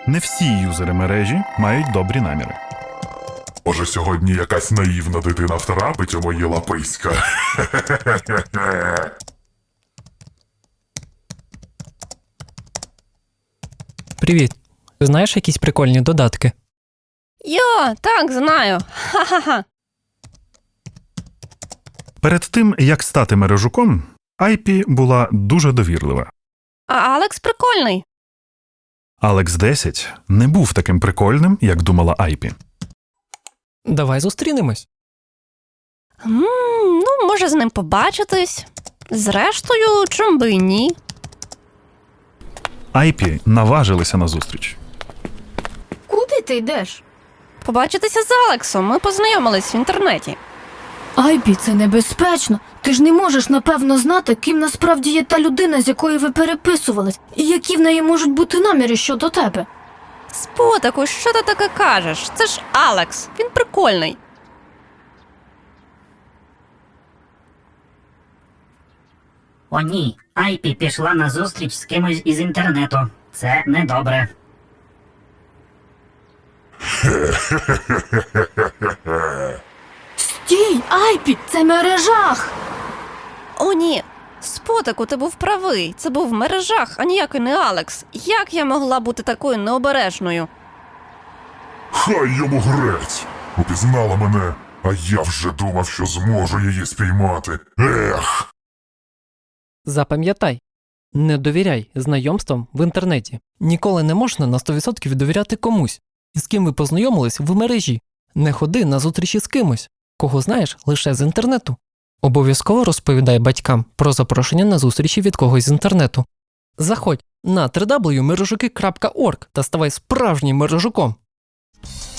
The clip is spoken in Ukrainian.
Не всі юзери мережі мають добрі наміри. Може, сьогодні якась наївна дитина втрапить у мої лаписька? Привіт. Знаєш якісь прикольні додатки? Йо, так, знаю. Ха-ха-ха. Перед тим, як стати мережуком, Айпі була дуже довірлива. А Алекс прикольний. Алекс 10 не був таким прикольним, як думала Айпі. Давай зустрінемось. Ну, може з ним побачитись. Зрештою, чом би і ні. Айпі наважилися на зустріч. Куди ти йдеш? Побачитися з Алексом, ми познайомились в інтернеті. Айпі, це небезпечно. Ти ж не можеш напевно знати, ким насправді є та людина, з якою ви переписувались, і які в неї можуть бути наміри щодо тебе. Спотаку, що ти таке кажеш? Це ж Алекс, він прикольний. О ні, Айпі пішла на зустріч з кимось із інтернету. Це недобре. Стій, Айпі, це мережах! О ні, Спотаку, ти був правий. Це був в мережах, а ніякий не Алекс. Як я могла бути такою необережною? Хай йому грець! Упізнала мене, а я вже думав, що зможу її спіймати. Ех! Запам'ятай. Не довіряй знайомствам в інтернеті. Ніколи не можна на 100% довіряти комусь, із ким ви познайомились в мережі. Не ходи на зустрічі з кимось, кого знаєш лише з інтернету. Обов'язково розповідай батькам про запрошення на зустрічі від когось з інтернету. Заходь на www.мережуки.org та ставай справжнім мережуком.